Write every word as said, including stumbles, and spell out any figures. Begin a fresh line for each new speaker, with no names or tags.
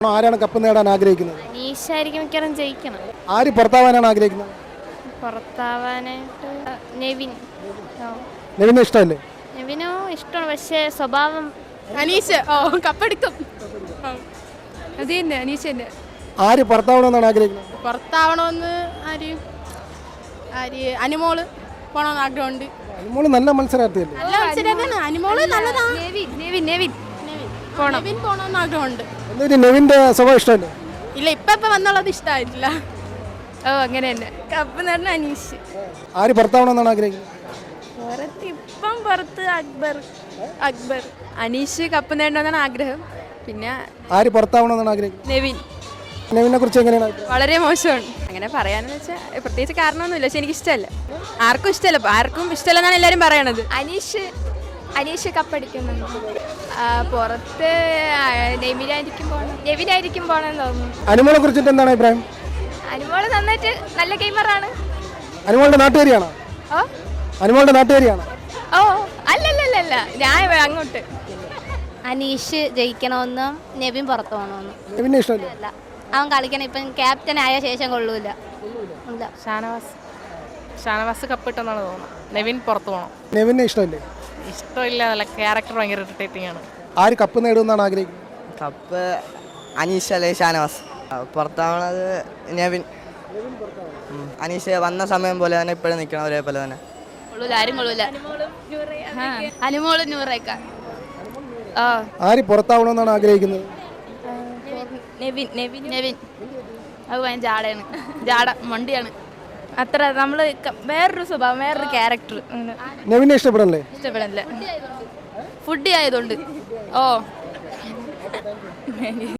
ആരാണ് കപ്പ് നേടാൻ ആഗ്രഹിക്കുന്നത്?
അനീഷായിരിക്കും മിക്കവാറും ജയിക്കണം.
ആര് പുറത്താവാനാണ് ആഗ്രഹിക്കുന്നത്?
പുറത്താവാനായിട്ട് നെവിൻ.
നെവിനെ ഇഷ്ടമല്ലേ?
നെവിനോ ഇഷ്ടമാണ്, പക്ഷേ സ്വഭാവം.
അനീഷ് ഓ കപ്പെടുക്കും. അത് തന്നെ അനീഷ് തന്നെ.
ആര് പുറത്താവണമെന്നാണ് ആഗ്രഹിക്കുന്നത്?
പുറത്താവണമെന്ന് ആര് ആര് അനുമോള് പോണമെന്ന് ആഗ്രഹമുണ്ട്.
അനുമോള് നല്ല മത്സരാർത്ഥിയല്ലേ?
നല്ല മത്സരമാണ് അനുമോള്, നല്ലതാണ്.
നെവിൻ നെവിൻ നെവിൻ
നെവിൻ പോണമെന്ന് ആഗ്രഹമുണ്ട്.
എന്നിട്ട് നെവിന്റെ സ്വഭാവം ഇഷ്ടമല്ലേ?
ഇല്ല, ഇപ്പൊ ഇപ്പൊ വന്നുള്ളത് ഇഷ്ടമായിട്ടില്ല.
ഓ അങ്ങനെ തന്നെ.
കപ്പ് നേടുന്ന അനീഷ്.
ആര് പുറത്താവണമെന്നാണ് ആഗ്രഹിക്കുന്നത്?
പുറത്ത് ഇപ്പം പുറത്ത് അക്ബർ. അക്ബർ
അനീഷ് കപ്പ് നേടണമെന്നാണ് ആഗ്രഹം. പിന്നെ
ആര് പുറത്താവണമെന്നാണ് ആഗ്രഹിക്കുന്നത്?
നെവിൻ.
നെവിനെ കുറിച്ച് എങ്ങനെയാണ് അഭിപ്രായം?
വളരെ മോശമാണ്. അങ്ങനെ പറയാനെന്ന് വെച്ചാൽ പ്രത്യേകിച്ച് കാരണമൊന്നുമില്ല, പക്ഷെ എനിക്ക് ഇഷ്ടമല്ല. ആർക്കും ഇഷ്ടമല്ല, ആർക്കും ഇഷ്ടമല്ലെന്നാണ് എല്ലാവരും പറയണത്. അനീഷ് അനീഷ് കപ്പടിക്കുന്നുണ്ട്. പുറത്ത് നെവിനായിരിക്കും പോകണം നെവിനായിരിക്കും പോകണമെന്ന് തോന്നുന്നു.
അനുമോളെ കുറിച്ചിട്ട് എന്താണ് അഭിപ്രായം?
അനുമോള് നന്നായിട്ട് നല്ല ഗെയിമറാണ്.
അനുമോളുടെ നാട്ടുകാരിയാണോ?
ഓ
അനുമോളുടെ നാട്ടുകാരിയാണോ?
ഓ അല്ലല്ലല്ല, ഞാൻ അങ്ങോട്ട്.
അനീഷ് ജയിക്കണമെന്നും നെവിൻ പുറത്തു പോകണമെന്നും.
നെവിനെ ഇഷ്ടമല്ലേ?
അല്ല, അവൻ കളിക്കണം. ഇപ്പം ക്യാപ്റ്റൻ ആയ ശേഷം കൊള്ളൂല. ഇല്ല.
ഷാനവാസ് ഷാനവാസ് കപ്പിട്ടെന്നാണ് തോന്നുന്നത്. നെവിൻ പുറത്തു പോകണം.
നെവിനെ ഇഷ്ടമല്ലേ?
ഇഷ്ടമില്ല, നല്ല ക്യാരക്ടർ ഭയങ്കര ഇറിറ്റേറ്റിംഗ് ആണ്.
ആര് കപ്പ് നേടുമെന്നാണ് ആഗ്രഹിക്കുന്നത്?
കപ്പ് അനീഷ് അല്ലെ ഷാനവാസ്. പുറത്താവണത് നെവിൻ. അനീഷ് വന്ന സമയം പോലെ തന്നെ ഇപ്പോഴും നിൽക്കണം, ഒരേപോലെ തന്നെ.
കൊള്ളൂല, ആരും കൊള്ളൂല. അനുമോള് നൂറേക്കാൾ.
ആര് പുറത്താവണമെന്നാണ് ആഗ്രഹിക്കുന്നത്?
നെവിൻ നെവിൻ നെവിൻ അത് ഭയങ്കര ജാടയാണ്. ജാട മണ്ടിയാണ്. അത്ര നമ്മൾ വേറൊരു സ്വഭാവം, വേറൊരു ക്യാരക്ടർ
നെവിനെ ഇഷ്ടപ്പെടല്ലേ?
ഇഷ്ടപ്പെടില്ല. ഫുഡ് ആയതുകൊണ്ട്. ഓ